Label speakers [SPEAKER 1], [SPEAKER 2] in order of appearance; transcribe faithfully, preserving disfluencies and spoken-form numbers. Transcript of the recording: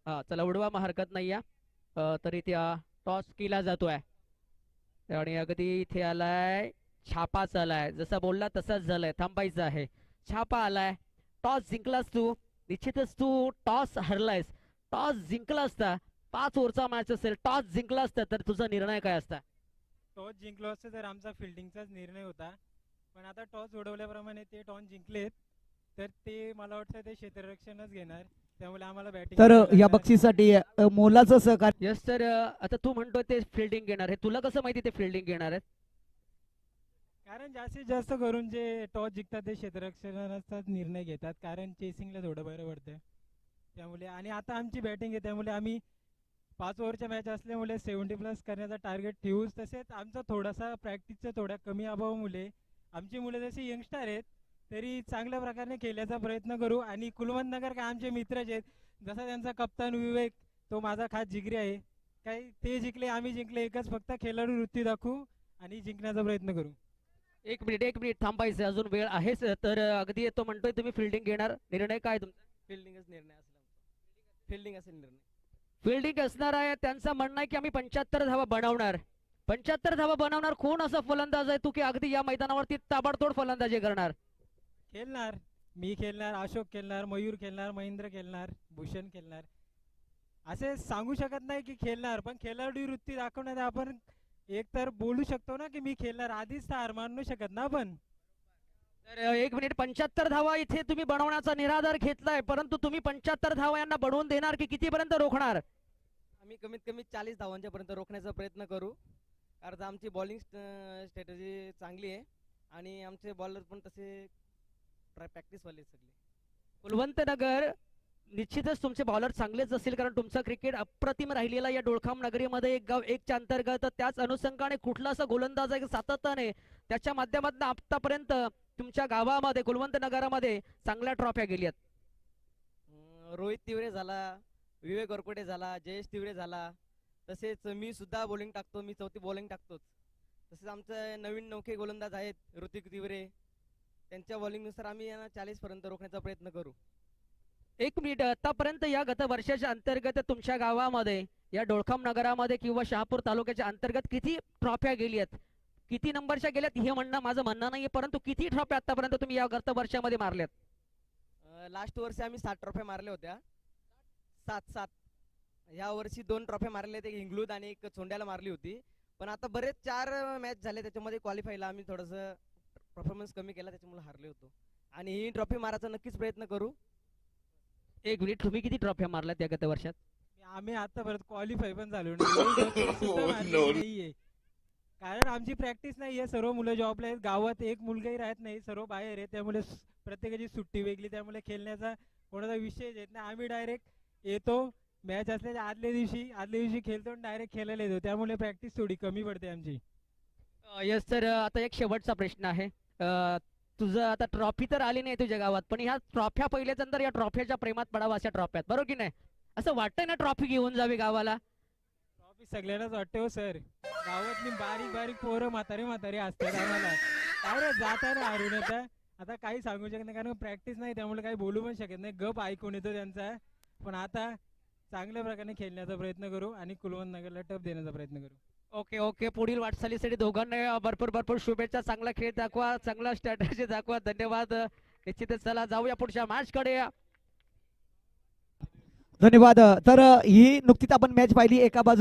[SPEAKER 1] हा चला उडवा, मग हरकत नाही या. अ, तरी त्या टॉस केला जातोय आणि अगदी इथे आलाय, छापा आलाय, जसा बोलला तसाच झालाय, थांबायचं आहे. छापा आलाय. टॉस जिंकलास तू, निश्चितच तू टॉस हरलायस. टॉस जिंकला असता, पाच ओव्हरचा मॅच असेल, टॉस जिंकला असता तर तुझा निर्णय काय असता?
[SPEAKER 2] टॉस जिंकलो असतो तर आमचा फिल्डिंगचाच निर्णय होता. पण आता टॉस उडवल्याप्रमाणे ते टॉस जिंकलेत, तर ते मला वाटतं ते क्षेत्ररक्षणच घेणार. त्यामुळे आम्हाला बॅटिंग
[SPEAKER 3] तर
[SPEAKER 2] करावी
[SPEAKER 3] या
[SPEAKER 2] लागणार.
[SPEAKER 3] बक्षीसाठी अ, मोलाचं सहकार्य.
[SPEAKER 1] यस तर आता तू म्हणतोय ते फिल्डिंग घेणार आहे, तुला कसं माहिती ते फिल्डिंग घेणार आहेत?
[SPEAKER 2] कारण जास्तीत जास्त करून जे टॉस जिंकतात ते क्षेत्ररक्षणाचाच निर्णय घेतात, कारण चेसिंगला थोडं बरं पडतं. त्यामुळे आणि आता आमची बॅटिंग आहे, त्यामुळे आम्ही पाच ओव्हरच्या मॅच असल्यामुळे सेव्हन्टी प्लस करण्याचा टार्गेट ठेवूच. तसेच आमचा थोडासा प्रॅक्टिसचा थोड्या कमी अभावामुळे आमची मुलं जशी यंगस्टर आहेत तरी चांगल्या प्रकारे खेळण्याचा प्रयत्न करू. आणि कुलवंत नगर काय आमचे मित्रच आहेत. जसा त्यांचा कप्तान विवेक, तो माझा खास जिगरी आहे. काही ते जिंकले आम्ही जिंकले, एकच फक्त खेळाडू वृत्ती दाखवू आणि जिंकण्याचा प्रयत्न करू.
[SPEAKER 1] एक मिनिट एक मिनिट थांबायचं, अजून वेळ आहेच. तर अगदी तो म्हणतोय तुम्ही फिल्डिंग घेणार, निर्णय काय तुमचा?
[SPEAKER 4] फिल्डिंगच निर्णय असेल आमचा. फिल्डिंग असेल निर्णय.
[SPEAKER 1] फिल्डिंग असणार आहे. त्यांचं म्हणणं आहे की आम्ही पंच्याहत्तर धावा बनवणार. पंच्याहत्तर धावा बनवणार. कोण असा फलंदाज आहे तू की अगदी या मैदानावरती ताबडतोड फलंदाजी करणार?
[SPEAKER 2] खेळणार, मी खेळणार, अशोक खेळणार, मयूर खेळणार, महेंद्र खेळणार, भूषण खेळणार. असे सांगू शकत नाही की खेळणार, पण खेळाडू वृत्ती दाखवण्यात आपण एक तर बोलू शकतो ना की मी खेळणार. आधीच तर हार मानू शकत ना आपण.
[SPEAKER 1] तर एक मिनिट, पंच्याहत्तर धावा इथे तुम्ही बनवण्याचा निराधार घेतलाय, परंतु तुम्ही पंच्याहत्तर धावा यांना बनवून देणार की कितीपर्यंत रोखणार?
[SPEAKER 4] आम्ही कमीत कमी चाळीस धावांच्या पर्यंत रोखण्याचा प्रयत्न करू. कारण आमची बॉलिंग स्ट्रॅटेजी चांगली आहे आणि आमचे बॉलर पण तसे प्रॅक्टिसवाले सगळे.
[SPEAKER 1] कुलवंत नगर निश्चितच तुमचे बॉलर चांगलेच असतील, कारण तुमचं क्रिकेट अप्रतिम राहिलेला या डोळखाम नगरीमध्ये. एक गाव एकच्या अंतर्गत त्याच अनुषंगाने कुठला असा गोलंदाज आहे सातत्याने त्याच्या माध्यमातून आतापर्यंत तुमच्या गावामध्ये कुलवंत नगरामध्ये चांगल्या ट्रॉफ्या गेल्यात?
[SPEAKER 4] अं, रोहित तिवरे झाला, विवेक वरकोटे झाला, जयेश तिवरे झाला. तसेच मी सुद्धा बॉलिंग टाकतो, मी चौथी बॉलिंग टाकतोच. तसेच आमचे नवीन नौके गोलंदाज आहेत ऋतिक तिवरे, त्यांच्या बॉलिंगनुसार आम्ही यांना चाळीस पर्यंत रोखण्याचा प्रयत्न करू.
[SPEAKER 1] एक मिनिट, आतापर्यंत या गत वर्षाच्या अंतर्गत तुमच्या गावामध्ये या डोळखाम नगरामध्ये किंवा शहापूर तालुक्याच्या अंतर्गत किती ट्रॉफ्या गेल्यात, किती नंबरच्या गेल्यात हे म्हणणं माझं म्हणणं नाहीये, परंतु किती ट्रॉफ्या आतापर्यंत तुम्ही या गत वर्षामध्ये मारल्यात?
[SPEAKER 4] लास्ट वर्षी आम्ही सात ट्रॉफ्या मारल्या होत्या. सात सात. ह्या वर्षी दोन ट्रॉफ्या मारल्या, एक हिंगलूद आणि एक चोंड्याला मारली होती. पण आता बरेच चार मॅच झाले, त्याच्यामध्ये क्वालिफायला आम्ही थोडंसं परफॉर्मन्स कमी केला, त्याच्यामुळे हारले होतो. आणि ही ट्रॉफी मारायचा नक्कीच प्रयत्न करू.
[SPEAKER 1] एक मिनिट, तुम्ही किती ट्रॉफ्या मारल्यात या गत वर्षात?
[SPEAKER 2] आम्ही आतापर्यंत क्वालिफाय पण झालो नाही, एक तरी सुद्धा मारलेली नाहीये. कारण आमची प्रॅक्टिस नाहीये. सर्व मुलं जॉबला आहेत, गावात एक मुलगाही राहत नाही, सर्व बाहेर आहे. त्यामुळे स- प्रत्येकाची सुट्टी वेगळी, त्यामुळे खेळण्याचा कोणाचा विषय येत नाही. आम्ही डायरेक्ट येतो, मॅच असल्याच्या आदल्या दिवशी आदल्या दिवशी खेळतो आणि डायरेक्ट खेळायला येतो. त्यामुळे प्रॅक्टिस थोडी कमी पडते आमची.
[SPEAKER 1] यस सर, आता एक शेवटचा प्रश्न आहे. अ, तुझं आता ट्रॉफी तर आली नाही तुझ्या गावात, पण ह्या ट्रॉफ्या पहिल्याच नंतर या ट्रॉफ्याच्या प्रेमात पडावा अशा ट्रॉफ्यात, बरोबर की नाही? असं वाटतंय ना ट्रॉफी घेऊन जावी गावाला?
[SPEAKER 2] ट्रॉफी सगळ्यांनाच वाटते हो सर. गावातली बारीक बारीक पोरं म्हातारे म्हातारे असतात आम्हाला. काय रे जाताना हारून येतं. आता काही सांगू शकत नाही कारण प्रॅक्टिस नाही, त्यामुळे काही बोलू पण शकत नाही. गप ऐकून येतो त्यांचा. पण आता चांगल्या प्रकारे खेळण्याचा प्रयत्न करू आणि कुलवंत नगरला टप देण्याचा प्रयत्न करू.
[SPEAKER 1] ओके ओके, पुढील वाटचालीसाठी दोघांना भरपूर भरपूर शुभेच्छा. चांगला खेळ दाखवा, चांगला स्ट्रॅटेजी दाखवा. धन्यवाद. निश्चितच चला जाऊया पुढच्या मॅच कडे.
[SPEAKER 3] धन्यवाद. तर ही नुकतीच आपण मॅच पाहिली. एका बाजू